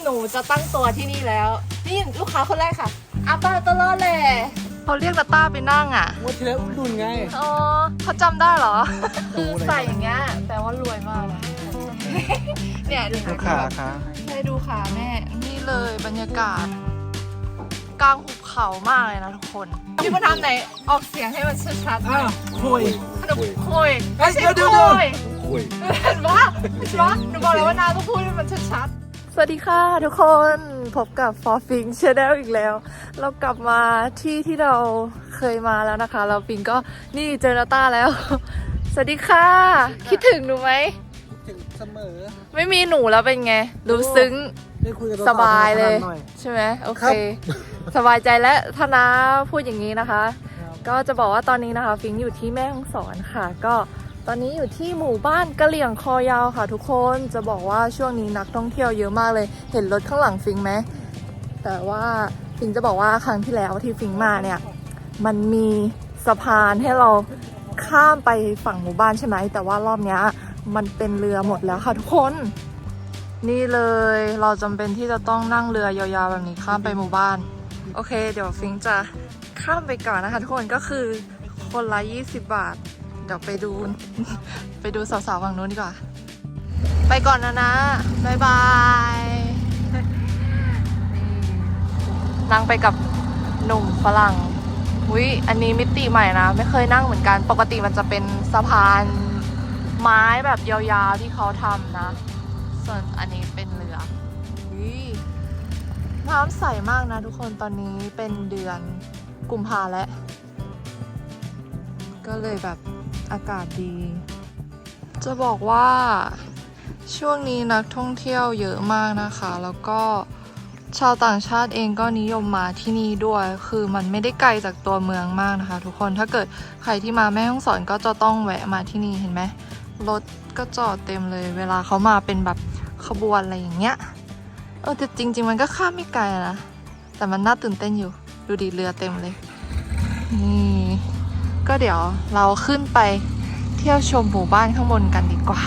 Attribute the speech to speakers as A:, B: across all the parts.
A: หนูจะตั้งตัวที่นี่แล้วนี่ลูกค้าคนแรกค่ะอาป้าตลอดเลยเขาเรียกนาต้าไปนั่งอ่ะ
B: วันที่แล้วอุ่นดุนไง
A: อ๋อเขาจำได้เหรอ
B: ดู
A: คือ
B: อะไร
A: ใส่อย่างเงี้ยแปลว่ารวยมากนะเนี่ยดู
B: ลูกค้าค่ะ
A: ให้ดูขาแม่นี่เลยบรรยากาศกลางหุบเขามากเลยนะทุกคนพี่มาทำไหนออกเสียงให้มันชัดๆหน่
B: อ้า
A: อ
B: วย คุย
A: ขนมคุย
B: เฮ้ย
A: ไม่ใช่
B: เดี๋ยว
A: คุย
B: คุย
A: เห็นปะหนูบอกแล้วว่านาต้องพูดให้มันชัดๆสวัสดีค่ะทุกคนพบกับ For Fing Channel อีกแล้ว เรากลับมาที่เราเคยมาแล้วนะคะเราฟิงก็นี่เจอนาต้าแล้ว สวัสดีค่ะ คิดถึงหนูไหม
B: ถึงเสมอ
A: ไม่มีหนูแล้วเป็นไง รู้ซึ้ง
B: ได้คุยกับ
A: สบายเลย
B: หน่อย
A: ใช่ไหมโอเค
B: ครับ
A: สบายใจแล้วถ้านาพูดอย่างนี้นะคะ
B: ครับ
A: ก็จะบอกว่าตอนนี้นะคะฟิงอยู่ที่แม่ฮ่องสอนค่ะ ก็ตอนนี้อยู่ที่หมู่บ้านกะเหลี่ยงคอยาวค่ะทุกคนจะบอกว่าช่วงนี้นักท่องเที่ยวเยอะมากเลย เห็นรถข้างหลังฟิงไหมแต่ว่าฟิงจะบอกว่าครั้งที่แล้วที่ฟิงมาเนี่ยมันมีสะพานให้เราข้ามไปฝั่งหมู่บ้านใช่ไหมแต่ว่ารอบเนี้ยมันเป็นเรือหมดแล้วค่ะทุกคน นี่เลยเราจำเป็นที่จะต้องนั่งเรือยาวๆแบบนี้ข้ามไปหมู่บ้านโอเคเดี๋ยวฟิงจะข้ามไปก่อนนะคะทุกคนก็คือคนละ20 บาทเดี๋ยวไปดู ไปดูสาวๆฝั่งนู้นดีกว่าไปก่อนนะบ๊ายบายนั่งไปกับหนุ่มฝรั่งอุ๊ยอันนี้มิติใหม่นะไม่เคยนั่งเหมือนกันปกติมันจะเป็นสะพานไม้แบบยาวๆที่เขาทำนะส่วนอันนี้เป็นเรือน้ำใสมากนะทุกคนตอนนี้เป็นเดือนกุมภาแล้วก็เลยแบบอากาศดีจะบอกว่าช่วงนี้นักท่องเที่ยวเยอะมากนะคะแล้วก็ชาวต่างชาติเองก็นิยมมาที่นี่ด้วยคือมันไม่ได้ไกลจากตัวเมืองมากนะคะทุกคนถ้าเกิดใครที่มาแม่ฮ่องสอนก็จะต้องแวะมาที่นี่เห็นไหมรถก็จอดเต็มเลยเวลาเขามาเป็นแบบขบวนอะไรอย่างเงี้ยแต่จริงๆมันก็ข้ามไม่ไกลนะแต่มันน่าตื่นเต้นอยู่ดูดิเรือเต็มเลยนี่ก็เดี๋ยวเราขึ้นไปเที่ยวชมหมู่บ้านข้างบนกันดีกว่า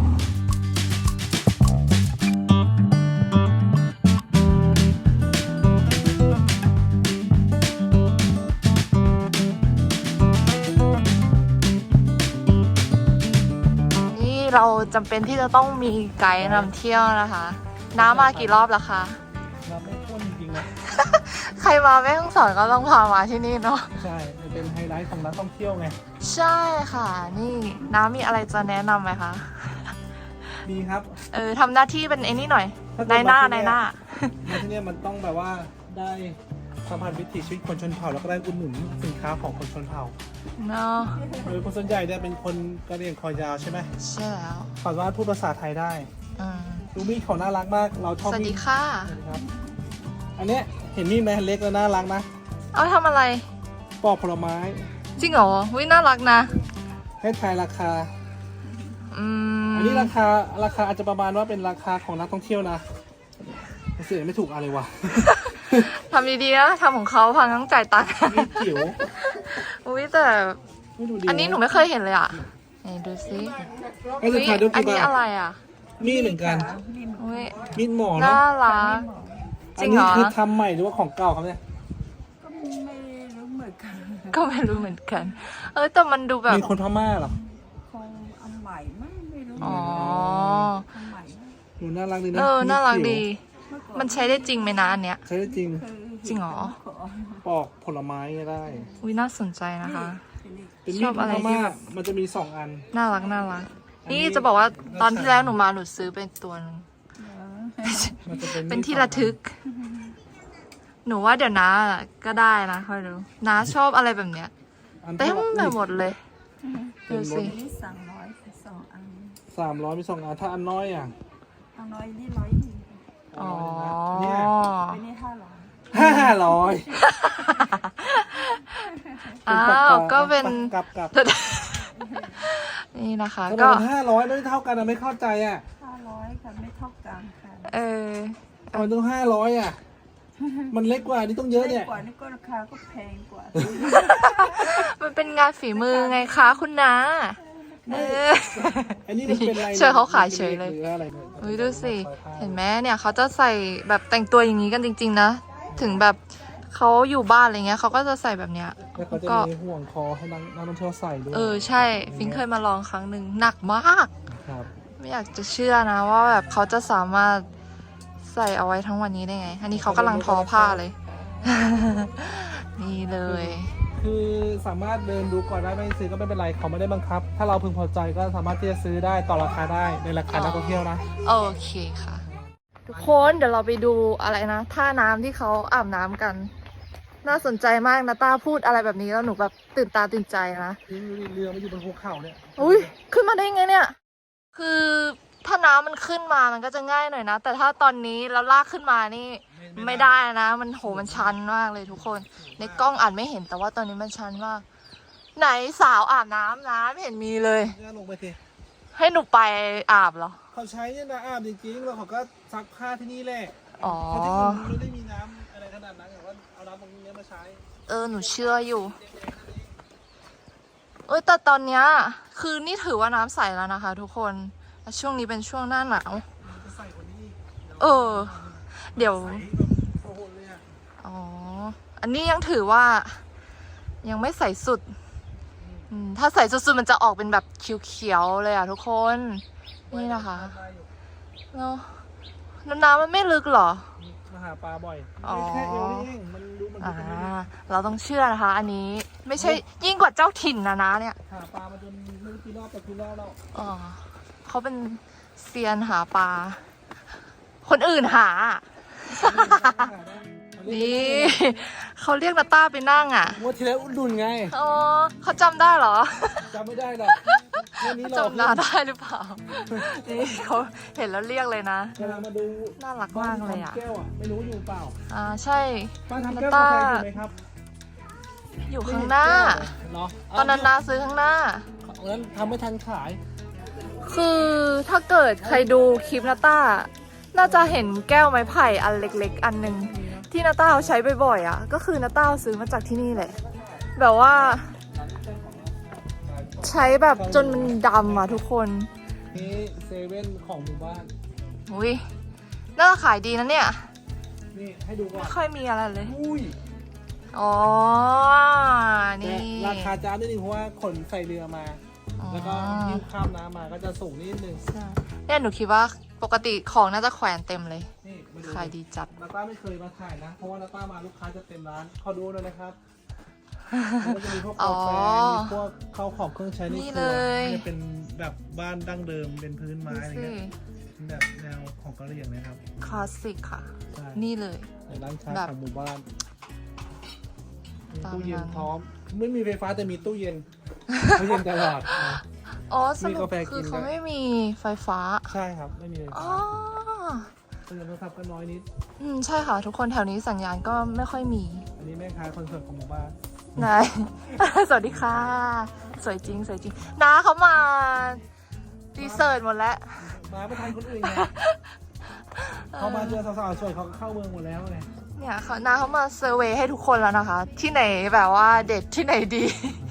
A: นี่เราจำเป็นที่จะต้องมีไกด์นำเที่ยวนะคะน้ามากี่รอบแล้วคะ
B: เราไม่พ้นจริงๆนะ
A: ใครมาแม่ฮ่องสอนก็ต้องพามาที่นี่เนาะ
B: ใช่มันเป็นไฮไลท์ของนักท่องเที่ยวไง
A: ใช่ค่ะนี่น้ามีอะไรจะแนะนำไหมคะ
B: ดีครับ
A: ทำหน้าที่เป็นไอ้นี่หน่อย
B: ถ้าเกิด
A: นายหน้า
B: มาที่
A: นาย
B: เนี่ย
A: หน้า
B: มาที่เนี่ยมันต้องแบบว่าได้สัมผัสวิถีชีวิตคนชนเผ่าแล้วก็ได้อุดหนุนสินค้าของคนชนเผ่า
A: เนาะ
B: โดยคนส่วนใหญ่เนี่ยเป็นคนกะเหรี่ยงคอยาวใช่ไหม
A: ใช่แล้ว
B: สามารถพูดภาษาไทยได้
A: อืม
B: ดูมีดเขาน่ารักมากเราชอบ
A: สวัส
B: มี
A: ดี
B: ด
A: ค่ะ
B: ครับอันเนี้ยเห็นมีดไหมเล็กแล้วน่ารักนะ
A: เอาทำอะไร
B: ปอกผลไม้
A: จริงเหรอวิน่ารักนะ
B: ให้ทายราคา
A: อืม
B: อันนี้ราคาอาจจะประมาณว่าเป็นราคาของนักท่องเที่ยวนะเสียไม่ถูกอะไรวะ
A: ทำดีๆนะทำของเขาพังต้องจ่ายตังค์
B: มีดจิ๋ว
A: อุ้ยแต่
B: ไม่ดูดี
A: อันนี้หนูไม่เคยเห็นเลยอ่ะไหนดูซิ
B: ไอ้สุดท้ายดู
A: อัน
B: กี่
A: นี้
B: บาท
A: อะไรอ่ะ
B: มีดเหมือนกัน
A: อุ้ย
B: มีดหมอ
A: น่า
B: เนาะ
A: รักจ
B: อั
A: ริ
B: น
A: งเห
B: นี้
A: รอ
B: คือทำใหม่หรือว่าของเก่าครับเนี่ย
A: ก็ไม่รู้เหมือนกัน แต่มันดูแบบ
B: มีคนพม่าเหรอ
C: คงอันใหม่ไม่รู้
A: อ๋อ
C: อันใหม่นะ
B: ดูน่ารักดีนะ
A: น่ารัก
B: จิ๋ว
A: ดี มันใช้ได้จริงไหมนะอันเนี้ย
B: ใช้ได้จริง
A: จริงเหรอ
B: ปอกผลไม้ก็ได้
A: อุ้ยน่าสนใจนะคะ
B: เป็น
A: ช
B: มี
A: อ
B: ด
A: บอะไร
B: พ
A: ที่
B: ม่า
A: แบบ
B: มันจะมี2 อัน
A: น่ารักน่ารัก
B: อันนี้
A: นี่จะบอกว่าตอนที่แล้วหนูมาหนูซื้อเป็นตัวหนึง
B: มันจะเป็น
A: เป็นที่ระทึก หนูว่าเดี๋ยวน้าก็ได้นะค่อยดูน้าชอบอะไรแบบเนี้ย
B: อัน
A: เต็มไปหมดเลย ดูสิ
C: อันนี้300 2 อัน
B: 300มี2 อันถ้าอันน้อยอ่ะ
C: อันน้อยนี่100ดี
A: อ๋อ
B: เนี่ย
C: อันนี้500
B: 500
A: อ้าวก็เป็น
B: กลับ
A: นี่นะคะ
B: ทำไม
A: ก็
B: มัน500ไม่เท่ากันอะไม่เข้าใจอ่ะ
C: 500ค่ะไม่เท่ากันค่ะ
B: ทำไมต้อง500อ่ะ มันเล็กกว่านี่ต้องเยอะเนี่ย
C: กว่านี่ก็ราคาก็แพงกว่า
A: มันเป็นงานฝีมือไงคะคุณน้า
C: ไม่
B: ไม่
A: เออ
B: อันนี้มันเป็นอะไร
A: ช่วยเขาขายเฉยเลย
B: หรืออะไรเนี่ย
A: เฮ้ยดูสิ เห็นไหมเนี่ยเขาจะใส่แบบแต่งตัวอย่างนี้กันจริง ๆ นะ ถึงแบบเขาอยู่บ้านอะไรเงี้ยเขาก็จะใส่แบบเนี้ย
B: แล้วเขาจะ
A: ก็
B: มีห่วงคอให้นักท่องเที่ยวใส่ด้วย
A: ใช่ฟิงเคยมาลองครั้งหนึ่งหนักมาก
B: ครับ
A: ไม่อยากจะเชื่อนะว่าแบบเขาจะสามารถใส่เอาไว้ทั้งวันนี้ได้ไง อันนี้เขากำลังทอผ้าเลย นี่เลย
B: คือสามารถเดินดูก่อนได้ไม่ซื้อก็ไม่เป็นไรเขาไม่ได้บังคับ ถ้าเราพึงพอใจก็สามารถที่จะซื้อได้ต่อราคาได้ในราคานักท่องเที่ยวนะ
A: โอเคค่ะ ทุกคนเดี๋ยวเราไปดูอะไรนะท่าน้ำที่เขาอาบน้ำกัน น่าสนใจมากนะต้าพูดอะไรแบบนี้แล้วหนูแบบตื่นตาตื่นใจนะ
B: คือเรือมันอยู่บนภูเขาเนี่ย
A: อุ้ยขึ้นมาได้ไงเนี่ย คือถ้าน้ำมันขึ้นมามันก็จะง่ายหน่อยนะ แต่ถ้าตอนนี้เราลากขึ้นมานี่ไม่ได้นะ มันมันชันมากเลยทุกคน ในกล้องอาจไม่เห็นแต่ว่าตอนนี้มันชันมาก ไหนสาวอาบน้ำนะไม่เห็นมีเลย
B: ก็ลงไปสิ
A: ให้หนูไปอาบเหรอ
B: เขาใช้เนี่ยนะอาบจริงๆแล้วเขาก็ซักผ้าที่นี่แหละ
A: อ๋อ
B: เพราะที่อื่นไม่ได้มีน้ำอะไรขนาดนั้นแต่ว่าเอาน้ำตรงนี้มาใช้
A: หนูเชื่ออยู่ แต่ตอนเนี้ยคือนี่ถือว่าน้ำใสแล้วนะคะ ทุกคนและช่วงนี้เป็นช่วงหน้าหนาว
B: จะใส่กว่านี้อีก
A: เดี๋ยว
B: ใส่แบบโอ้โหเลยอะ
A: อ๋อ อันนี้ยังถือว่ายังไม่ใส่สุด ถ้าใส่สุดๆมันจะออกเป็นแบบเขียวๆเลยอ่ะทุกคน นี่นะคะเนาะแล้วน้ำมันไม่ลึกเหรอ
B: มาหาปลาบ่อย
A: อ๋อ
B: ไม่แค่เอวนี่เองมันดูเหมือนกันไม่ได้
A: เราต้องเชื่อนะคะ อันนี้ไม่ใช่ยิ่งกว่าเจ้าถิ่นนะเนี่ย
B: หาปลามาจนไม่รู้กี่รอบแต่กี่รอบแล้ว
A: อ๋อเขาเป็นเซียนหาปลา คนอื่นหา นี่เขาเรียกนาต้าไปนั่งอ่ะ
B: งวดที่แล้วอุดหนุนไง
A: อ๋อเขาจำได้เหรอ
B: จำไม่ได้หรอกวันนี้เรา
A: จำหน้าได้หรือเปล่า นี่เขาเห็นแล้วเรียกเลยนะ
B: กำลังมาดู
A: น่ารักมากเลยอ่ะ
B: บ้นทำแก้วไม่รู้อยู่เปล่า
A: ใช่
B: บ้านทำแก้ว
A: น้ำ
B: กา
A: ตา
B: แฟอยู่ไหมครับ
A: อยู่ข้างหน้า
B: เนาะ
A: ตอนนั้นนาซื้อข้างหน้า
B: นั้นทำไม่ทันขาย
A: คือถ้าเกิดใครดูคลิปนาต้า น่าจะเห็นแก้วไม้ไผ่อันเล็กๆ อันหนึ่งที่นาต้าเอาใช้บ่อยๆอ่ะ ก็คือนาต้าเอาซื้อมาจากที่นี่แหละ แบบว่า ใช้แบบจนมันดำอ่ะทุกคน
B: นี่เซเว่นของหมู่บ้าน
A: อุ้ยน่าจะขายดีนะเนี่ย
B: นี่ให้ดูก่อ
A: ไม่
B: น
A: ค่อยมีอะไรเลย
B: อุ้ย
A: อ๋อ
B: แต่
A: นี่
B: ราคาจ้านิดนึงเพราะว่าขนใส่เรือมา
A: อ๋อ
B: แล้วก็ยิ้วข้ามน้ำมาก็จะสูงนิดนึง
A: ใช่เนี่ยหนูคิดว่าปกติของน่าจะแขวนเต็มเลย
B: นี่มาดู
A: ขายดีจัด
B: นาต้าไม่เคยมาถ่ายนะ เพราะว่านาต้ามาลูกค้าจะเต็มร้านขอดูหน่อยนะครับมันก็จะมีพวกกาแฟมีพวกข้าวของเครื่องใช้ใน
A: นี่
B: ค
A: เล
B: รัวย จะเป็นแบบบ้านดั้งเดิมเป็นพื้นไม้
A: ดู
B: อะไร
A: สิ
B: เงี้ยเป็นแบบแนวของกะเหรี่ยงนะครับ
A: คลาสสิกค่ะ
B: ใช่
A: นี่เลย
B: ในร้านค้า
A: แบบ
B: ของหมู่บ้านมี
A: ตาม
B: ตู้เย็น
A: นั้น
B: พร้อม ไม่มีไฟฟ้าแต่มีตู้เย็นตู้เย็นตลอด
A: อ๋อส
B: มี
A: รุป
B: กาแฟ
A: คือ
B: กิน
A: เขา
B: ด้วย
A: ไม่มีไฟฟ้า
B: ใช่ครับ ไม่มีไฟ
A: อ๋
B: ฟ้า
A: อ
B: ตู้เย็นโทรศัพท์ก็น้อยนิด
A: ใช่ค่ะ ทุกคนแถวนี้สัญญาณก็ไม่ค่อยมี
B: อันนี้แม่ค้าคอนเสิร์ตของหมู่บ้าน
A: นาย สวัสดีค่ะ สวยจริงสวยจริงน้าเขามารีเสิร์ชหมดแล้ว
B: มาไม่ทันคนอื่นไงเขามาเจอสาวๆสวยเขาก็เข้าเมืองหมดแล้วไง
A: เนี่ยเขาน้าเขามาเซอร์เวย์ให้ทุกคนแล้วนะคะ ที่ไหนแบบว่าเด็ดที่ไหนดี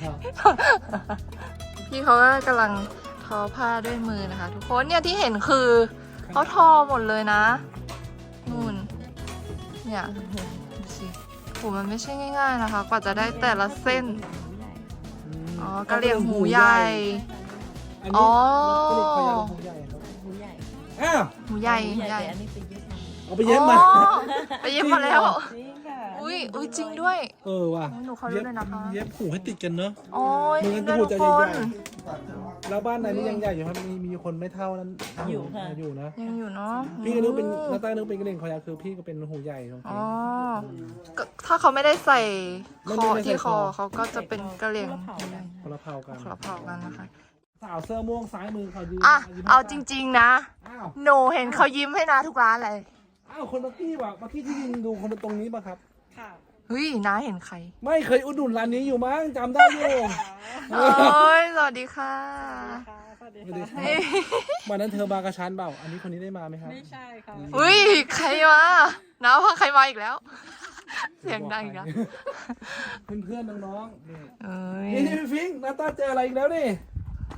A: พี่เขาก็กำลังทอผ้าด้วยมือนะคะ ทุกคนเนี่ยที่เห็นคือเขาทอหมดเลยนะนู่นเนี่ยดูสิโหมันไม่ใช่ง่ายๆนะคะ กว่าจะได้แต่ละเส้น อ๋อกะเหรี่ยงหูใหญ่
B: อัน
A: อ๋
B: นี้
A: อ
B: กะเหรี่ยงหูใหญ่ครับ
C: หูใหญ่
B: อ้าว
A: หูใหญ่
C: หู
A: หู
C: ให
A: ให
C: ญ่
A: ญ่
C: แต่อันนี้เป็นเย็บมา
B: เอาไปเย็บมา
A: อ๋อไปเย็บมาแล้ว
C: จริงค่ะ
A: อุ้ยจริงด้วย
B: เออว่ะ
A: หนูขอรู้หน่อยนะคะ
B: เย็บหูให้ติดกันเนอะ
A: โอ้ย
B: มือ
A: ด้วย
B: หู
A: ทุ
B: จะ
A: ก
B: ให
A: ค
B: ญ่
A: น
B: ๆแล้วบ้านไหนนี่ยังใหญ่อยู่ครับมีคนไม่เท่านั้น
C: อยู่ค่ะ
B: อยู่นะ
A: ยังอยู่เนาะ
B: พี่ก็นึกเป็นหน้าใต้นึกเป็นกระเด่งคอยาวคือพี่ก็เป็นหูใหญ่ตรง
A: อ๋
B: นี้
A: อก็ถ้าเขาไม่ได้ใส่
B: ไม่
A: ค
B: ได้
A: อ
B: ใส่
A: ที่คอ
B: คอ
A: เขาก็จะเป็นกระเหลี่ยง
B: คนละเผ่ากัน
A: ขอเผากันนะคะ
B: สาวเสื้อม่วงซ้ายมือเขายืน
A: อ่ะ
B: ยิ้ม
A: เอาจริงๆนะ
B: อ้าว
A: หนูเห็นเขายิ้มให้นาทุกร้านเลย
B: อ้าวคนเมื่อกี้ว่ะเมื่อกี้ที่ยืนดูคนตรงนี้ป่ะครับ
C: ค่ะ
A: เฮ้ยน้าเห็นใคร
B: ไม่เคยอุดหนุนร้านนี้อยู่มั้งจำได้อยู่
A: โอ้ยสวัสดีค่ะ
C: สวัสดี
B: สวัสดีค
C: ค่ะ
B: รับวันนั้นเธอมากระชั้นเปล่า อันนี้คนนี้ได้มาไหมครับ
C: ไม่ใช่ค่ะ
A: อุ้ยใครมาน้าพาใครมาอีกแล้ว เสียงดังอีกแล้ว
B: เพื่อนๆน้องๆนี่
A: เอ้ย
B: นี่พี่ฟิงค์หน้าตาเจออะไรอีกแล้วนี่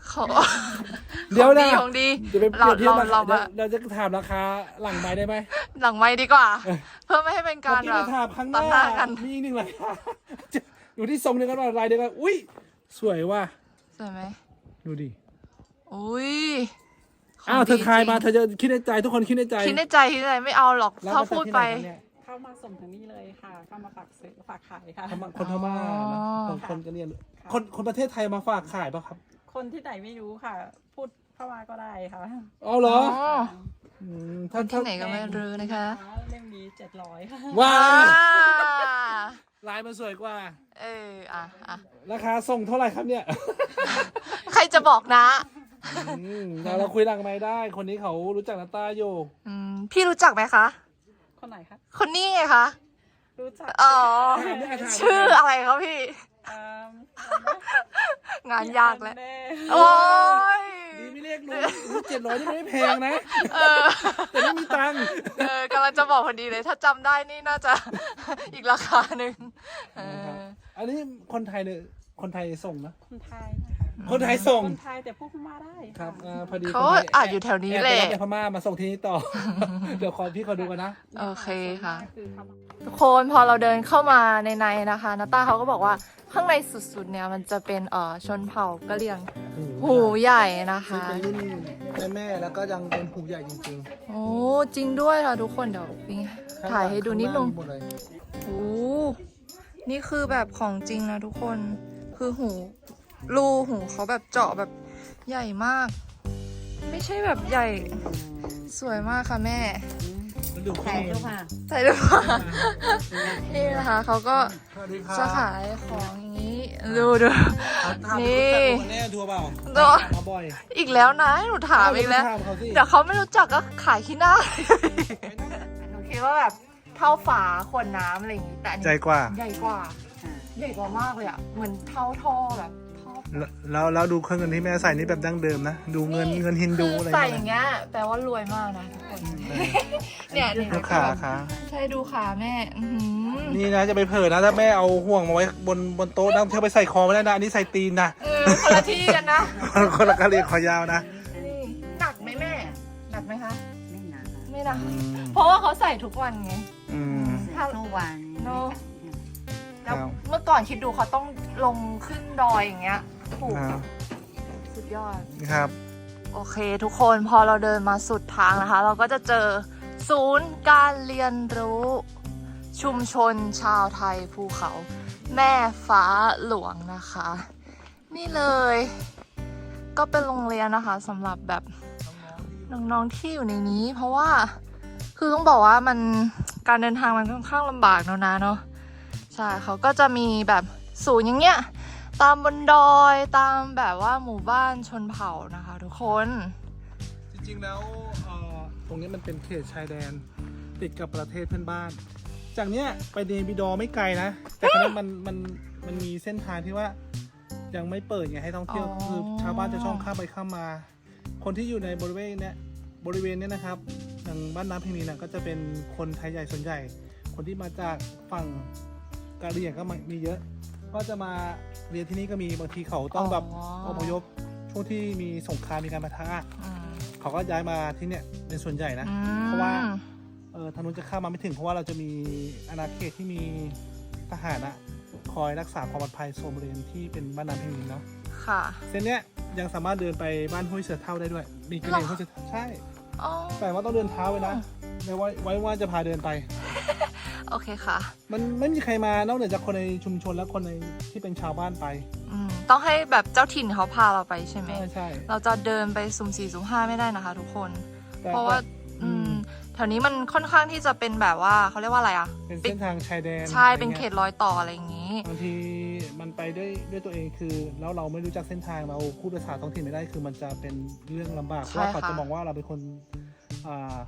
A: เขา
B: เดี๋ยวนะ
A: ของดี
B: จะไปเปรียบเทียบราคา
A: เรา
B: เราจะถามราคาหลังไม้ได้ไหม
A: หลังไม้ดีกว่า เพื่อไม่ให้เป็นการ
B: เมื่อกี้
A: แบบ
B: ไปถามข้างห
A: ตัดห
B: น้า
A: น้ากัน
B: มีอีกหนึ่งราคาอยู่ที่ทรงเดียวกันว่ารายเดียวกันอุ้ยสวยว่ะ
A: สวยไหม
B: ดูดิ
A: อุ้ยขง
B: อ้าวเธอ
A: ดี
B: ทาย
A: จริง
B: มาเธอจะคิดในใจทุกคนคิดในใจ
A: คิดในใจไม่เอาหรอก
B: แล้ว
A: ถ้า
B: มาจาก
A: พูด
B: ที่
A: ไป
B: หนครับเนี่ย
C: เข้ามาส่งถึงนี่เลยค่ะ เข้ามาฝากซื้อฝากขายค่ะ
B: คนพม่า
A: อ๋
B: นะ
A: อ
B: คนกันเนี่ยคนประเทศไทยมาฝากขายป่ะครับ
C: คนที่ไหนไม่รู้ค่ะ พูดเข้ามาก็ได้ค่ะ
B: อ๋อเหรอ
A: อ๋อ
B: ม
A: คนที่ไหนก็ไม่รู้นะคะ
C: เล่มนี้700ค่ะ
B: ว้า
A: อ่า
B: ลายมันสวยกว่า
A: อ่ะ
B: ราคาส่งเท่าไหร่ครับเนี่ย
A: ใครจะบอกนะ
B: เราคุยหลังไม้ได้ คนนี้เขารู้จักนาตาอยู่
A: พี่รู้จักไหมคะ
C: คนไหนคะ
A: คนนี้ไงคะ
C: รู้จัก
A: อ๋อ
B: ถามได้ถามได้
A: ชื่ออะไรครับพี่
C: เอิ่ม
A: งานยากแล้ว
C: แน่
A: โอ้ย
B: ดีไม่เรียกรู้700นี่ไม่แพงนะ
A: เออ
B: แต่ไม่มีตังค์
A: กำลังจะบอกพอดีเลย ถ้าจำได้นี่น่าจะ อีกราคาหนึ่งเออ
B: อันนี้คนไทยเนี่ยคนไทยส่งนะ
C: คนไทยนะคะ
B: คนไทยส่ง
C: คนไทยแต่พูดพม่าได้
B: ครั
C: ค่ะ
B: บพอดี
A: เขา
B: คนไทย
A: อาจอยู่แถวนี้แหละ
B: อบไปรับจากพม่ามาส่งที่นี่ต่อ เดี๋ยวพี่ขอดูกันนะ
A: โอเคค่ะ
C: คือเข้ามา
A: ทุกคนพอเราเดินเข้ามาในนะคะนาต้าเขาก็บอกว่าข้างในสุดๆเนี่ยมันจะเป็นชนเผ่ากะเหรี่ยงหูใหญ่นะคะ
B: เป็นรุ่นแม่แล้วก็ยังเป็นหูใหญ่จริง
A: โอ้จริงด้วยค่ะทุกคนเดี๋ยวปิ๊ง
B: ๆ
A: ถ่ายให้ดูนิดนึง
B: หมดเลย
A: โอ้นี่คือแบบของจริงนะทุกคนคือรูหูเขาแบบเจาะแบบใหญ่มาก ไม่ใช่แบบใหญ่สวยมากค่ะแม่
B: แล้วดูข้อมูล
A: ใส่ด้วยค่ะนี่นะคะเขาก็
B: สวัสดีครับ
A: จะขายของอย่างนี้ดูดู
B: ถาม
A: นี่
B: รู้จักคนแน่ทัวร์เปล่า
A: ดู
B: มาบ่อย
A: อีกแล้วนะให้หนูถามอีกแล้ว
B: ถามเขาสิ
A: เดี๋ยวเขาไม่รู้จักก็ขายขี้หน้าหนูคิดว่าแบบเท่าฝาขวดน้ำอะไรอย่างนี้แต่อันนี้
B: ใจกว่า
A: ใหญ่กว่าใหญ่กว่ามากเลยอ่ะเหมือนเท่าท่อแบบท่อ
B: แล้วดูเครื่องเงินที่แม่ใส่นี่แบบดั้งเดิมนะ ดูเงินฮินดูอะไร
A: ใส่อย่างเงี้ยแปลว่ารวยมากนะทุกคนเนี่ย
B: ดูขาขา
A: ใช่ดูขาแม่อื้อหือ
B: นี่นะจะไปเผลอนะถ้าแม่เอาห่วงมาไว้บนโต๊ะนะเที่ยวไปใส่คอไม่ได้นะอันนี้ใส่ตีนนะ
A: คนละที่กันนะ
B: คนละกะเรียกคอยาวนะ
A: นี่หนักไหมแม่หนักไหมคะ
D: ไม่หนา
A: ไม่หนักเพราะว่าเขาใส่ทุกวันไง
B: อืม
D: ทุกวัน
A: เนอะ แล้ว
B: ครับ
A: เมื่อก่อนคิดดูเขาต้องลงขึ้นดอยอย่างเงี้ยโอ้โหสุดยอด
B: ครับ
A: โอเคทุกคนพอเราเดินมาสุดทางนะคะ เราก็จะเจอศูนย์การเรียนรู้ ชุมชนชาวไทยภูเขา แม่ฟ้าหลวงนะคะ นี่เลย ก็เป็นโรงเรียนนะคะสำหรับแบบน้องๆที่อยู่ในนี้ เพราะว่าคือต้องบอกว่ามันการเดินทางมันค่อนข้างลำบากเนอะนะเนาะใช่เขาก็จะมีแบบศูนย์อย่างเงี้ยตามบนดอยตามแบบว่าหมู่บ้านชนเผ่านะคะทุกคน
B: จริงๆแล้วตรงนี้มันเป็นเขตชายแดนติดกับประเทศเพื่อนบ้าน จากเนี้ยไปเนบิดอร์ไม่ไกลนะ แต่ครั้นี้มันมีเส้นทางที่ว่ายังไม่เปิดไงให้ท่องเที่ยวคือชาวบ้านจะช่องข้ามไปข้ามมา คนที่อยู่ในบริเวณเนี้ยนะครับอย่างบ้านน้ำเพียงนี้นะก็จะเป็นคนไทยใหญ่ส่วนใหญ่ คนที่มาจากฝั่งกะเหรี่ยงก็มีเยอะ ก็จะมาเรียนที่นี่ก็มีบางทีเขาต้องแบบอพยพช่วงที่มีสงครามมีการปะทะ
A: อืม
B: เขาก็ย้ายมาที่เนี่ยเป็นส่วนใหญ่นะ
A: อืม
B: เพราะว่าทางนู้นจะเข้ามาไม่ถึงเพราะว่าเราจะมีอาณาเขตที่มีทหารอะคอยรักษาความปลอดภัยโซนบริเวณที่เป็นบ้านน้ำเพียงนี้เนาะ
A: ค่ะ
B: เส้นเนี้ยยังสามารถเดินไปบ้านห้วยเสือเท่าได้ด้วย มีกระเด็นห้วยเสือเท่าใช่
A: อ๋อ
B: แต่ว่าต้องเดินเท้าไปนะไม่ไว้ว่าจะพาเดินไป
A: โอเคค่ะ
B: มันไม่มีใครมานอกเหนือจากคนในชุมชนและคนในที่เป็นชาวบ้านไป
A: ต้องให้แบบเจ้าถิ่นเขาพาเราไปใช่ไหม
B: ใช่
A: เราจะเดินไปสุ่มสี่สุ่มห้าไม่ได้นะคะทุกคน
B: แต่
A: เพราะว่าแถวนี้มันค่อนข้างที่จะเป็นแบบว่าเขาเรียกว่าอะไรอ่ะ
B: เป็นเส้นทางชายแดน
A: ใช่
B: อะไร
A: เป็น
B: งี้ย
A: เขตรอยต่ออะไรอย่างนี้
B: บางทีมันไปด้วยตัวเองคือแล้วเราไม่รู้จักเส้นทางเราพูดภาษาท้องถิ่นไม่ได้คือมันจะเป็นเรื่องลำบากเพ
A: ใช่
B: ราะว่าเขา
A: ค่ะ
B: จะมองว่าเราเป็นคนอ่า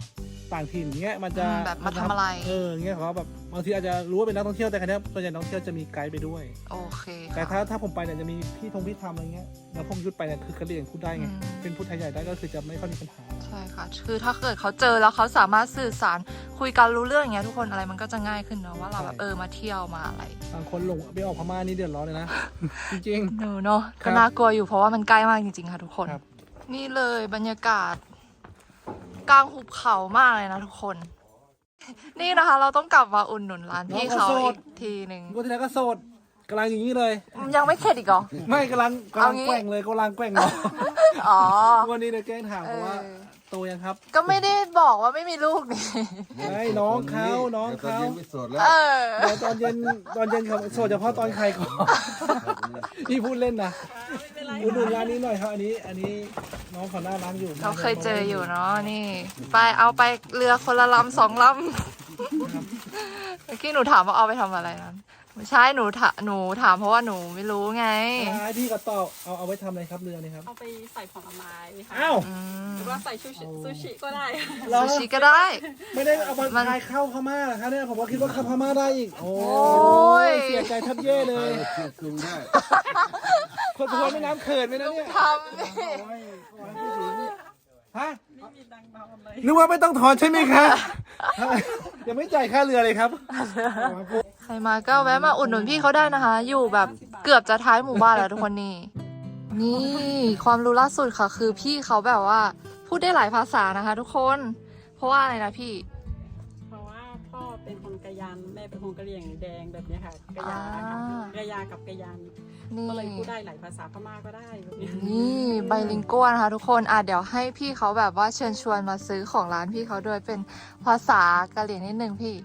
B: ต่างถิ่นเงี้ยมันจะ
A: แบบมาทำอะไร
B: เงี้ยเขาแบบบางทีอาจจะรู้ว่าเป็นนักท่องเที่ยวแต่ครั้นี้ส่วนใหญ่นักท่องเที่ยวจะมีไกด์ไปด้วย
A: โอเค
B: แต่
A: ค่ะ
B: ถ้าผมไปเนี่ยจะมีพี่ทำอะไรเงี้ยแล้วผมยุดไปเนี่ยคือกระเหรี่ยงพูดได้ไง
A: อืม
B: เป็นพูดไทยใหญ่ได้ก็คือจะไม่ค่อยมีปัญหา
A: ใช่ค่ะ คือถ้าเกิดเขาเจอแล้วเขาสามารถสื่อสารคุยกันรู้เรื่องอย่างเงี้ยทุกคนอะไรมันก็จะง่ายขึ้นเนอะว่าเราแบบมาเที่ยวมาอะไร
B: บางคนหลงไปออกพม่านี่เดือดร้อนเลยนะ จริง
A: หนูเนาะ
B: ครั
A: ก็
B: บ
A: น่ากลัวอยู่เพราะว่ามันใกล้มากจริงๆค่ะทุกคน
B: ครับ
A: นี่เลยบรรยากาศกลางหุบเขามากเลยนะทุกคน นี่นะคะ เราต้องกลับมาอุ่นหนุนร้านพี่เขาอีกทีหนึ่ง
B: ๆก็ทีแรกก็โสดกำลังอย่างนี้เลย
A: ยังไม่เข็ดอีกเหรอ
B: ไม่กำลัง
A: เอางี้
B: แกว่งเลยกำลังแกว่งเนาะ
A: อ๋อ
B: วันนี้เดี๋ยวแกล้งถามเขาว่า
A: เออ
B: โตยังครับ
A: ก็ไม่ได้บอกว่าไม่มีลูกนี่
B: ไม่น้องเขาน้องเขา
D: ตอนเย็นไม่โสดแล้ว
A: เออ
B: เดี๋ยวตอนเย็นเขาโสดเฉพาะตอนใครก่อนพี่พูดเล่นนะอุดหนุนร้านนี้หน่อยครับอันนี้น้องเขาหน้าร้านอยู่
A: เราเคยเจออยู่เนาะนี่ ไปเอาไปเรือคนละลำ2 ลำเมื่อกี้หนูถามว่าเอาไปทำอะไรนั้นไม่ใช่หนูถามเพราะว่าหนูไม่รู้ไง
B: พี่ก็ตอบเอาไว้ทำอะไรครับเรือนี่ครับ
C: เอาไปใส่ผลไม้ค่ะ
B: อ้าว
A: อืม
C: หรือว่าใส่ซูชิก็ได้
B: เหรอ
A: ซูชิก็ได้
B: ไม่ได้เอา
A: มั
B: มาน ทายเข้าพม่าเหรอครับเนี่ยผมว่าคิดว่าเข้าพม่าได้อีกโอ้
A: ย
B: เสียใจทับเย่เลย
D: เที่ยวคืนได้
B: คนทุกคนไม่น้ำเขินไหมนะเนี่ย
A: ทำนี่
B: โอ้ยขอให้ผู้หญิงฮะ
C: ไม่มีดังเบาเลย
B: นึกว่าไม่ต้องถอนใช่ไหมคะยังไม่จ่ายค่าเรือเลยครับ
A: ใครมาก็แวะมาอุดหนุนพี่เขาได้นะคะ อยู่แบบเกือบจะท้ายหมู่บ้านแล้วทุกคนนี่ นี่ความรู้ล่าสุดค่ะ คือพี่เขาแบบว่า พูดได้หลายภาษานะคะ ทุกคน เพราะว่าอะไรนะพี่
C: เพราะว่าพ่อเป็นคนกะยันแม่เป็นคนกะเหรี่ยงแดงแบบเนี้ยค่ะกะยา
A: อ่า
C: กะยากับกะยัน
A: นี่
C: ก็เลยพูดได้หลายภาษาพม่าก็ได้แบบนี้
A: นี่ไบลิงกัวนะคะทุกคนเดี๋ยวให้พี่เขาแบบว่าเชิญชวนมาซื้อของร้านพี่เขาด้วยเป็นภาษากะเหรี่ยงนิดนึงพี่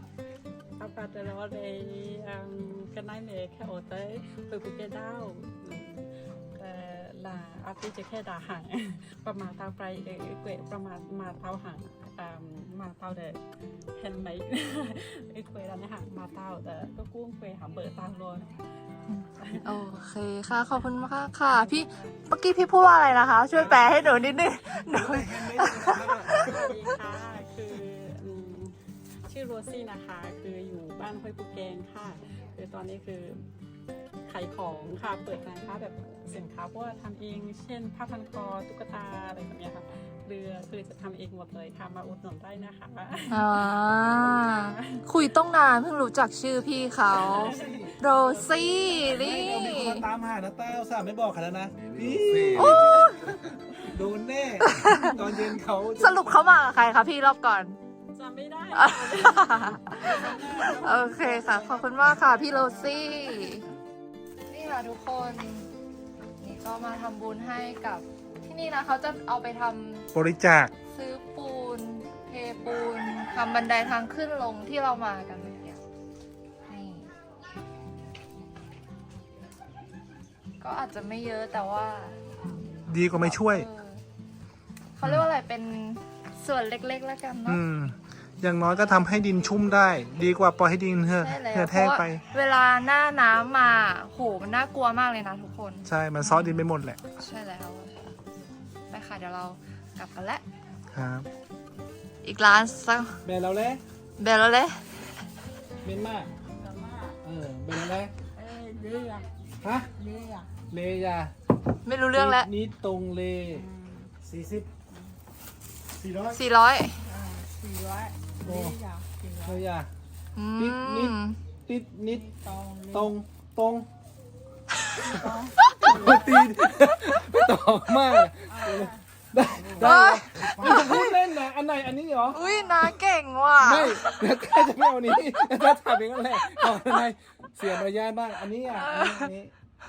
C: apa adalah dari kenai me ke otai pe puke dau la api je ke da hang ประมาณเตาไฟเกวประมาณมาเตาหางมาเตาเดเห็นไหมเกวแล้วนะฮะมาเตาแต่ก็กุ้งเกวหาเบอร์ตางโลน
A: โอเคค่ะขอบคุณมากค่ะพี่เมื่อกี้พี่พูดว่าอะไรนะคะ ช่วยแปลให้หนูนิดนึงหนู
C: สวัสดีค่ะคือชื่อโรซี่นะคะคืออยู่บ้านห้วยปูแกงค่ะคือตอนนี้คือขายของค่ะเปิดร้านค้าแบบสินค้าพวกทำเองเช่นผ้าพันคอตุ๊กตาอะไรแบบนี้ค่ะเรือคือจะทำเองหมดเลยค่ะมาอุดหนุนได้นะคะ
A: คุยต้องนานเพิ่งรู้จักชื่อพี่เขาโรซี่นี่
B: เรามีคนตามหานะต้าอุตส่าห์ไม่บอกกันแล้วนะพี่โดนแน่ ตอนเย็นเขาจะ
A: สรุปเขามากับใครคะพี่รอบก่อน
C: จำไม่ได้
A: โอเคค่ะ ขอบคุณมากค่ะพี่โรซี่ นี่ค่ะทุกคน นี่ก็มาทำบุญให้กับที่นี่นะเขาจะเอาไปทำ
B: บริจาค
A: ซื้อปูน เทปูนทำบันไดทางขึ้นลงที่เรามากันเมื่อกี้นี่ ก็อาจจะไม่เยอะแต่ว่า
B: ดีกว่าไม่ช่วย
A: เขาเรียกว่าอะไรเป็นส่วนเล็กๆแล้วกันเนาะ
B: อย่างน้อยก็ทำให้ดินชุ่มได้ ดีกว่าปล่อยให้ดินเหือ
A: ใช่แล้ว
B: เหือ
A: เพ
B: แห้ง
A: ราะว่า
B: ไป
A: เวลาหน้าน้ำมาโหมันน่ากลัวมากเลยนะทุกคน
B: ใช่ มันซอสดินไปหมดแหละ
A: ใช่แล้วไปค่ะเดี๋ยวเรากลับกันแล้ว
B: ครับ
A: อีกร้านสัก
B: แบนเราเลย
A: เบลแล้วเลย
B: เมนมากแบนเราเลย
C: เรือ
B: ฮะ
C: เรือ
B: เลยา
A: ไม่รู้เรื่องแล้ว
B: นี่ตรงเล40 400
A: 400
C: 400
B: โอ้
C: 400
B: เลยา
A: อื
B: นิด
A: ม
B: ติดนิด
C: ตรง
B: ตรงตีนไม่ตอบมากได้พูดเล่นนะอันไหนอันนี้เหรอ
A: อุ้ยนาเก่งว่ะ
B: ไม่เดี๋ยวข้าจะไม่เอาอันนี้ถ้าถามเองก็แหละเอาอันไหนเสียมารยาทบ้างอันนี้อันนี้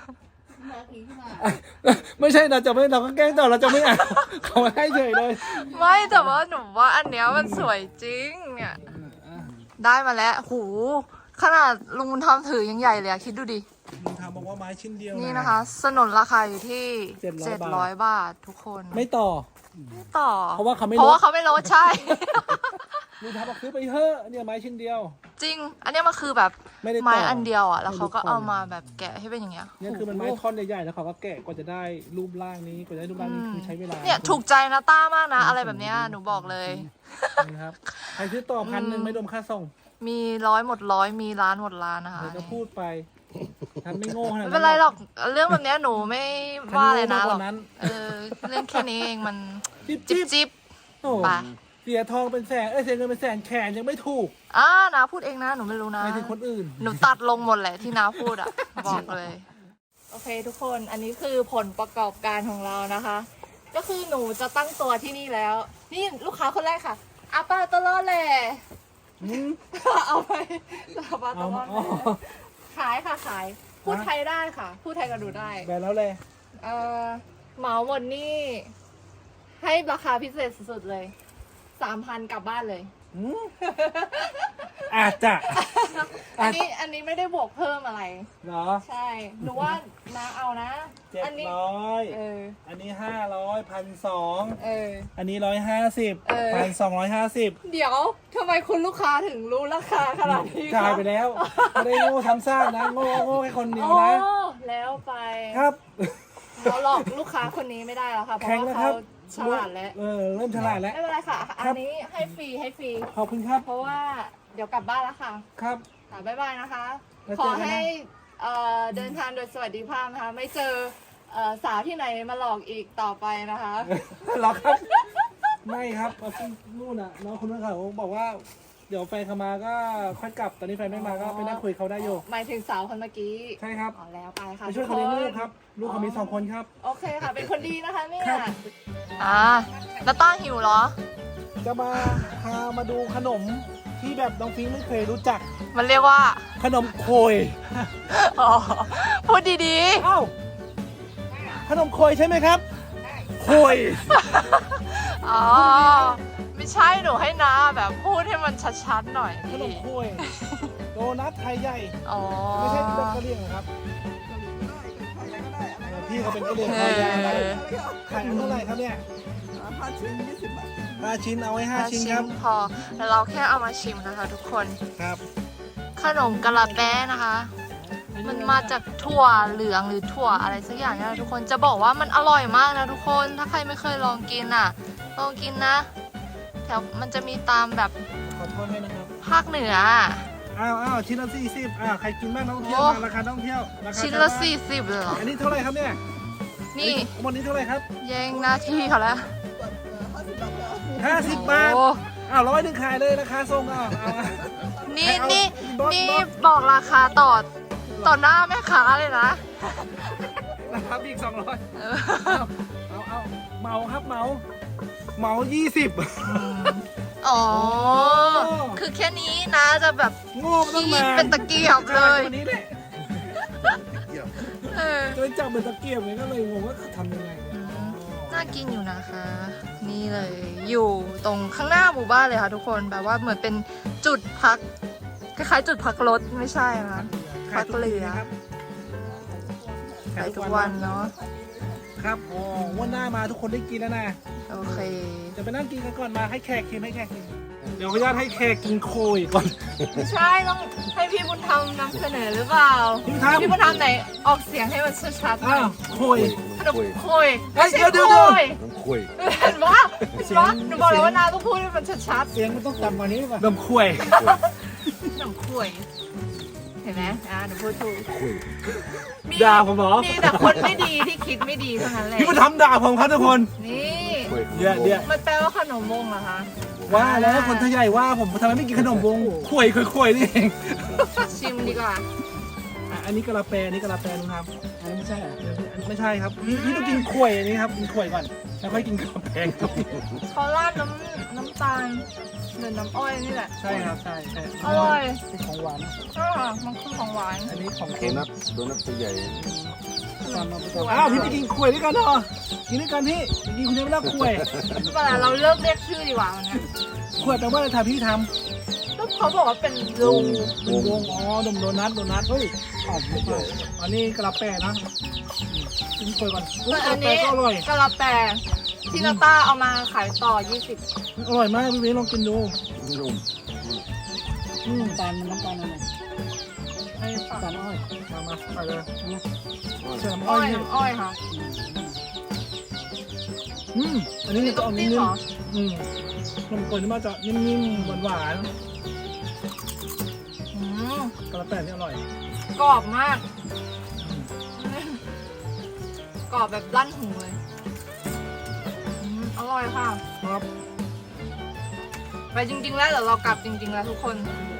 B: ไม่ใช่เราจะไม่เราก็แกล้งต่อเราจะไม่อ่านเขาให้เฉยเลย
A: ไม่แต่ว่าหนูว่าอันเนี้ยมันสวยจริงเนี่ย ได้มาแล้วหูขนาดลุงบุญธรรมถือยังใหญ่เลยอะคิดดูดิ
B: ลุงทำบอกว่าไม้ชิ้นเดียว
A: นี่นะคะ สนนราคาอยู่ที่
B: 700
A: บาททุกคน
B: ไม่ต่อ
A: ไม่ต่อ
B: เพราะว่าเขาไม่ลด
A: เพราะว่าเขาไม่ลดใช่
B: ลุงทำบอกซื้อไปเถอะเนี่ยไม้ชิ้นเดียว
A: จริง อันเนี้ยมันคือแบบ
B: ไม่ได้ต่อ
A: ไม้อันเดียวอ่ะ แล้วเขาก็
B: ไม่ได้ต่อ
A: เอามาแบบแกะให้เป็นอย่างเงี้ย
B: เนี่ยคือมันไม้
A: โอ้โห
B: ท่อนใหญ่ๆแล้วเขาก็แกะกว่าจะได้รูปร่างนี้กว่าจะได้รูปร่างนี้คือใช้เวลา
A: เนี่ยถูกใจนะต้ามากนะ อะไรแบบเนี้ยหนูบอกเลย
B: นะครับใครซื้อต่อ1,000ไม่รวมค่าส่ง
A: มีร้อยหมดร้อยมีล้านหมดล้านนะคะ
B: เดี๋ยวก็พูดไปฉันไม่โง่ขนาด
A: ไม่
B: นั้น
A: เป็นไรหรอกเรื่องแบบเนี้ยหนูไม่ว่าเลยนะหรอก
B: ฉัโง่มากกว่านั้น
A: เรื่องแค่นี้เองมัน
B: จิ๊บ
A: จิ
B: จิ๊
A: บบ จิบ
B: โอ้
A: ไป
B: เสียทองเป็นแสนเสียเงินเป็นแสนแขนยังไม่ถูก
A: นาพูดเองนะหนูไม่รู้นะ
B: หมายถึงคนอื่น
A: หนูตัดลงหมดแหละที่น้าพูดอ่ะ บอกเลย โอเคทุกคนอันนี้คือผลประกอบการของเรานะคะ ก็คือหนูจะตั้งตัวที่นี่แล้ว นี่ลูกค้าคนแรกค่ะอาปาตลอดแหละ เอาไปอาปาตลอดแหละขายค่ะขายพูดไทยได้ค่ะ พูดไทยกับหนูได้
B: แบนแล้วเลย
A: เหมาหมดนี่ให้ราคาพิเศษสุดๆเลย 3,000 กลับบ้านเลย
B: อาจจะ
A: อันนี้ไม่ได้บวกเพิ่มอะไร
B: เหรอ
A: ใช่ หนูว่าน้าเอานะ
B: 700
A: อันี้
B: อันนี้500 1,200 อันนี้150 1,250
A: เดี๋ยวทำไมคุณลูกค้าถึงรู้ราคาขนาดนี้
B: จ่ายไปแล้วไม่ได้โง่ซ้ำซากนะโง่แค่คนเดียว
A: โอ้
B: นะ
A: แล้วไป
B: ครับ
A: เราหลอกลูกค้าคนนี้ไม่ได้แล้วค่ะ เพราะ
B: แข็ง
A: ว่า
B: นะครั
A: เขา
B: บ
A: ฉลาดแล้ว
B: เริ่มฉลาดแล้ว
A: ไม่เป็นไรค่ะ อันนี้ให้ฟรี
B: ขอบคุณครับ
A: เพราะว่าเดี๋ยวกลับบ้านแล้วค่ะ
B: ครับ
A: บ๊ายบายนะคะ
B: แล้ว
A: ขอ
B: เจอกันนะ
A: ให้เดินทางโดยสวัสดิภาพนะคะ ไม่เจอสาวที่ไหนมาหลอกอีกต่อไปนะคะ
B: หรอครับ ไม่ครับนู่นน่ะน้องคนนั้นเขาบอกว่า เดี๋ยวแฟนเขามาก็ค่อยกลับ ตอนนี้แฟนไม่มาก็ไปนั่งคุยเขาได้อยู่
A: หมายถึงสาวคนเมื่อกี้
B: ใช่ครับ
A: อ๋อแล้วไปค่ะ
B: ไปช่วยเขาเลี้ยงลูกครับ ลูกเขามี2 คนครับ
A: โอเคค่ะ เป็นคนดีนะคะเนี่ย
B: ครับ
A: แล้วต้าหิวเหรอ
B: จะพามาดูขนมที่แบบน้องฟิงไม่เคยรู้จัก
A: มันเรียกว่า
B: ขนมโคย
A: อ๋อพูดดี
B: อ้าวขนมโคยใช่ไหมครับ โคย
A: ๆ อ๋อ ไม่ใช่หนูให้นาแบบพูดให้มันชัดๆหน่อย
B: ขนมโคยโดนัทไทยใหญ่
A: อ๋อ
B: ไม่ใช่แบบกะเหรี่ยงนะครับพี่เขาเป็นกะเหรี่ยง
A: เอ
B: คอยาวนะ
A: อ
B: ขายเท่าไหร่ครับเนี่ย5 ชิ้น20 บาท5 ชิ้นเอาไว้5 ชิ้นครับ
A: พอแล้วเราแค่เอามาชิมนะคะทุกคน
B: ครับ
A: ขนมกะลาแป้นะคะ มันมาจากถั่วเหลืองหรือถั่วอะไรสักอย่างเนี่ยนะทุกคน จะบอกว่ามันอร่อยมากนะทุกคน ถ้าใครไม่เคยลองกินอ่ะ ลองกินนะ แถวมันจะมีตามแบบ
B: ขอโทษด้วยนะครับ
A: ภาคเหนือ
B: อ้าวชิ้นละ40ใครกินบ้างนักท่องเที่ยว
A: โอ้
B: มาราคานักท่องเที่ยวราคา
A: ชิ้นละ40เลยเหรอ
B: อันนี้เท่าไหร่ครับเนี่ย
A: นี่
B: วันนี้เท่าไหร่ครับ
A: แย่งหน้าที่เขาแล้ว
B: 50 บาท
A: โอ้
B: 100ขายเลยราคาส่งเอา
A: นี่
B: เอา
A: นี่
B: บอส
A: นี่
B: บอส
A: บอกราคาต่อหน้าแม่ค้าเลยนะ
B: ราคาอีก200
A: เออ
B: เอาเหมาครับเหมา20
A: อ๋อ คือแค่นี้นะจะแบบ
B: โง่ไม่ต้อง
A: ขี้
B: มา
A: เป็นตะเกียบเลย
B: วันนี้แหละ
A: เออ
B: จะไปจับเป็นตะเกียบไงก็เลยงงว่าทำยังไง
A: น่ากินอยู่นะคะ นี่เลย อยู่ตรงข้างหน้าหมู่บ้านเลยค่ะทุกคน แบบว่าเหมือนเป็นจุดพัก คล้ายๆจุดพักรถไม่ใช่นะ พักเรือ ไปทุกวันเนาะ
B: ครับวันหน้ามาทุกคนได้กินแล้วนะ
A: โอเค
B: จะไปนั่งกินกันก่อนมาให้แขกกินเดี๋ยวขออนุญาตให้แขกกินโคยก่อน
A: ไม่ใช่ต้องให้พี่บุญธรรมนำเสนอหรือเปล่า
B: พี่บุญธรรม
A: พี่บุญธรรมไหนออกเสียงให้มันชัดๆหน่
B: อ้า
A: อ
B: วย โคย
A: ขนมโคย
B: เฮ้ย
A: ไม่ใช่
B: เดี๋ยว
A: โคย
D: น้ำคุย
A: เห็นปะหนูบอกแล้วว่านาต้องพูดให้มันชัด
B: เสียงมันต้องต่ำกว่านี้ป่ะนมโคย
A: ๆขนมโคยเห็นไหมหนูพูดถูก
D: คุย
A: มี
B: ด่าผมเหรอ
A: มีแต่คนไม่ดีที่คิดไม่ดีเท่านั้นแหละ
B: พี่มาทำด่าผมครับทุกคน
A: นี่
D: คุย
B: เดี๋ยว
A: มันแปลว่าขนมวงเหรอคะ
B: ว่าแล้วคนไทยใหญ่ว่าผมทำไมไม่กินขนมวงข่วยนี่เอง
A: ชิมดีกว่า
B: อันนี้กะลาแปนี่กะลาแปนุครับอันนี้ไม่ใช่ไม่ใช่ครับพี่ต้องกินข่วยอันนี้ครับกินข่วยก่อนแล้วค่อยกินกะลาแปครับ
A: เขาราดน้ำตาลเหมือนน้ำอ้อยนี่แหละ
B: ใช่ครับใช่
A: อร่อย
B: เป็นของหวาน
A: มันคือของหวาน
B: อันนี้ของ
D: โด
B: เค็ม
D: นัทตัวใหญ่
B: อ้าวพี่ไปกินข่วยด้วยกันเหรอกินด้วยกันพี่กินคนเดียวไม่ได้ข่วย
A: ไม่เป็นไรเราเลิกเรียกชื่อดีกว่าวันนี้
B: ข่วยแปลว่าอะไรถ้าพี่ท
A: ก็เขาบอกว่าเป็น
B: ำ
A: ลุง
B: เป็นวงดมโดนัทเฮ้ยหอมไม่ใช่อันนี้กะลาแปนะกินข่วยก่อน
A: แต่
B: กะ
A: อั
B: ลาน แป
A: นี้
B: ก็อร่อย
A: กะลาแปที่นาต้าเอามาขายต่อ 20
B: อร่อยมากพี่เวลองกินดู
D: นุ่ม
C: น้ำตาลอะไร
A: ไอ้ฝั่ง
C: น้ำตาลอ้อย
B: มาไปเลย
C: นะ
B: เชื่อมอ้
A: อ้
B: อ
A: อย ย
B: นี่
A: น้ำอ้อยค่ะ
B: อันนี้จะออกนิ่
A: เหร
B: ม
A: อ
B: ๆนมข้นนี่มาจะนิ่มๆหวาน
A: อืม
B: ๆกระแตนี่อร่อย
A: กรอบมาก กรอบแบบลั่นหูเลยอร่อยค่ะ
B: ครับ
A: ไปจริงๆแล้วเดี๋ยวเรากลับจริงๆแล้วทุกคน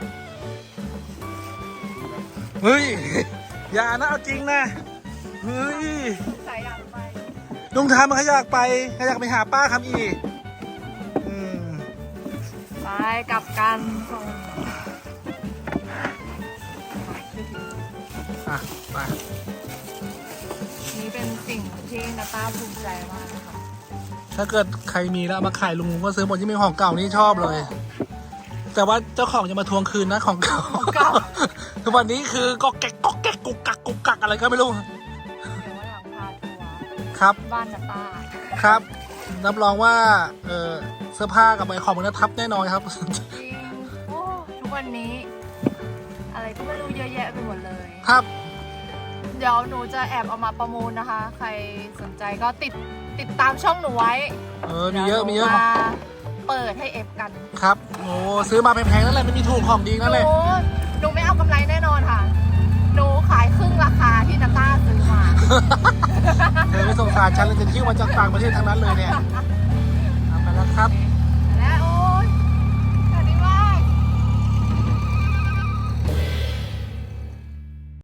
B: เฮ้ยอย่านะเอาจริงนะเฮ้ย
A: สายอยากไป
B: ลุงทามมันขยากไปหาป้าคำอีม
A: ไปกลับกัน
B: อ่ะไป
A: นี่เป็นสิ่งที่นาตาภูมิใจมากนะคะ
B: ถ้าเกิดใครมีแล้วเอามาขายลุงก็ซื้อหมดที่เป็นของเก่านี่ชอบเลย แต่ว่าเจ้าของจะมาทวงคืนนะของเก่า ทุกวันนี้คือก็แกกกุกกักอะไรก็ไม่รู้
A: เดี๋ยววันหลังพาทัวร์
B: ครับ
A: บ้านนาตา
B: ครับรับรองว่าเสื้อผ้ากับใบของมันทับแน่นอนครับ
A: จริงโอ้ทุกวันนี้ อะไรก็ไม่รู้เยอะแยะไปหมดเลย
B: ครับ
A: เดี๋ยวหนูจะแอบเอามาประมูลนะคะ ใครสนใจก็ติดตามช่องหนูไว้
B: มีเยอะ
A: ดี๋วหนูมาเปิดให้เอฟกัน
B: ครับโอ้ซื้อมาแพงๆนั่นแหละไม่มีถูกของดี
A: ห
B: นั่นแหละ
A: นูไม่เอากำไรแน่นอนค่ะ หนูขายครึ่งราคาที่นาต้าซื้อมา
B: ไม่สงสารฉันเลยจะคิ้วมาจากต่างประเทศทั้งนั้นเลยเนี่ยเอาไปแล้วครับ